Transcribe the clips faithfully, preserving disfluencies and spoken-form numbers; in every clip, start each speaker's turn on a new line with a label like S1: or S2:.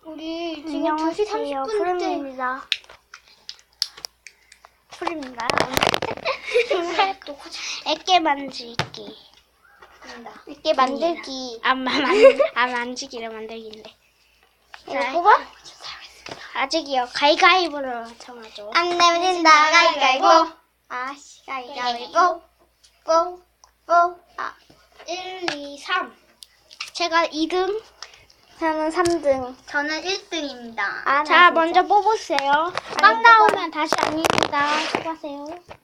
S1: 우리 지금 두 시 삼십 분째.
S2: 푸름입니다. 푸름입니다. 애깨 만들기. 애깨 만들기. 아, 만, 아, 만지기를 만들기인데.
S1: 이거 뽑아?
S2: 아직이요. 가위가위보로 정하죠.
S1: 안 내면 진다. 가위가위보. 아씨, 가위가위보. 뽀, 뽀. 아,
S2: 일, 이, 삼. 제가 이 등. 저는 삼 등.
S1: 저는 일 등입니다.
S2: 아, 자, 먼저 뽑으세요. 빵 나오면 다시 아닙니다. 수고하세요.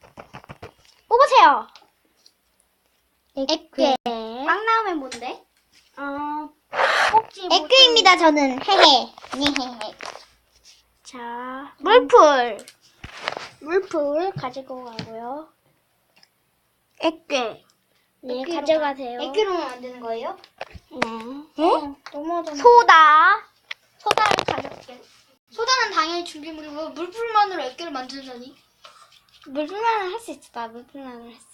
S2: 뽑으세요. 애깨.
S1: 빵 나오면 뭔데?
S2: 어, 꼭지.
S1: 에크입니다, 저는. 헤헤.
S2: 자, 물풀. 물풀 가지고 가고요. 애깨. 네, 가져가세요.
S1: 에크로만 만드는 거예요?
S2: 네.
S1: 응? 너무하잖아.
S2: 소다.
S1: 소다를 가져올게. 소다는 당연히 준비물이고 물풀만으로 액기를 만들다니.
S2: 물풀만은 할 수 있어. 나 물풀만은 했어.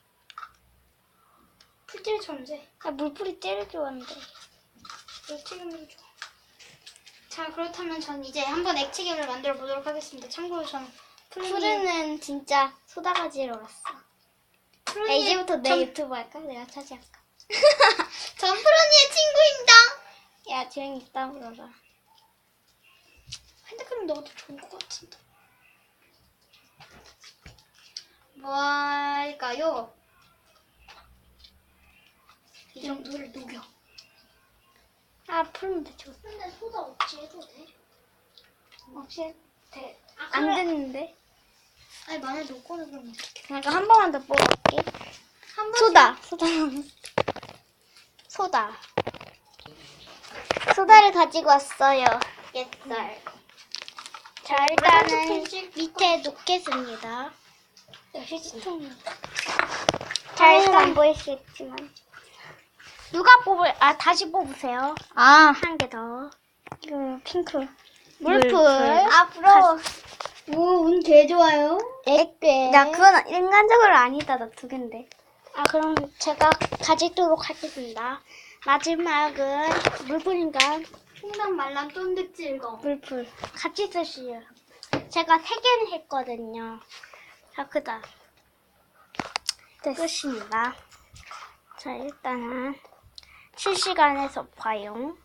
S1: 풀질 천재.
S2: 나 물풀이 제일 좋아하는데.
S1: 액체괴물 좋아. 자, 그렇다면 전 이제 한번 액체괴물 만들어 보도록 하겠습니다. 참고로 저는
S2: 푸르는 진짜 소다 가지러 갔어. 야, 이제부터 내
S1: 전,
S2: 유튜브 할까? 내가 차지할까?
S1: 전 푸른이의 친구입니다.
S2: 야, 조용히 있다 물어봐.
S1: 핸드크림 넣어도 좋은 것 같은데. 뭐 할까요? 이 정도를 녹여.
S2: 아, 풀면 대충.
S1: 근데 소다 없이 해도 돼?
S2: 혹시
S1: 돼. 아,
S2: 안
S1: 그래.
S2: 됐는데?
S1: 아니, 만약에 녹고는 그럼 어떡해.
S2: 그러니까 한 번만 더 뽑을게.
S1: 한 번씩-
S2: 소다. 소다. 소다. 소다를 가지고 왔어요.
S1: 옛날.
S2: 자, 일단은 밑에 놓겠습니다. 휴지통이. 자, 일단 안 보이시겠지만. 누가 뽑을, 아, 다시 뽑으세요.
S1: 아,
S2: 한 개 더.
S1: 이거 핑크.
S2: 물풀.
S1: 아, 부러워. 오, 운 개 좋아요.
S2: 액괴. 나 그건 인간적으로 아니다. 나 두 개인데. 아, 그럼 제가 가지도록 하겠습니다. 마지막은 물풀인가?
S1: 풍당 말랑 쫀득질거.
S2: 물풀. 같이 쓰시요. 제가 세 개는 했거든요. 자, 그다. 끝입니다. 자, 일단은 실시간에서 봐요.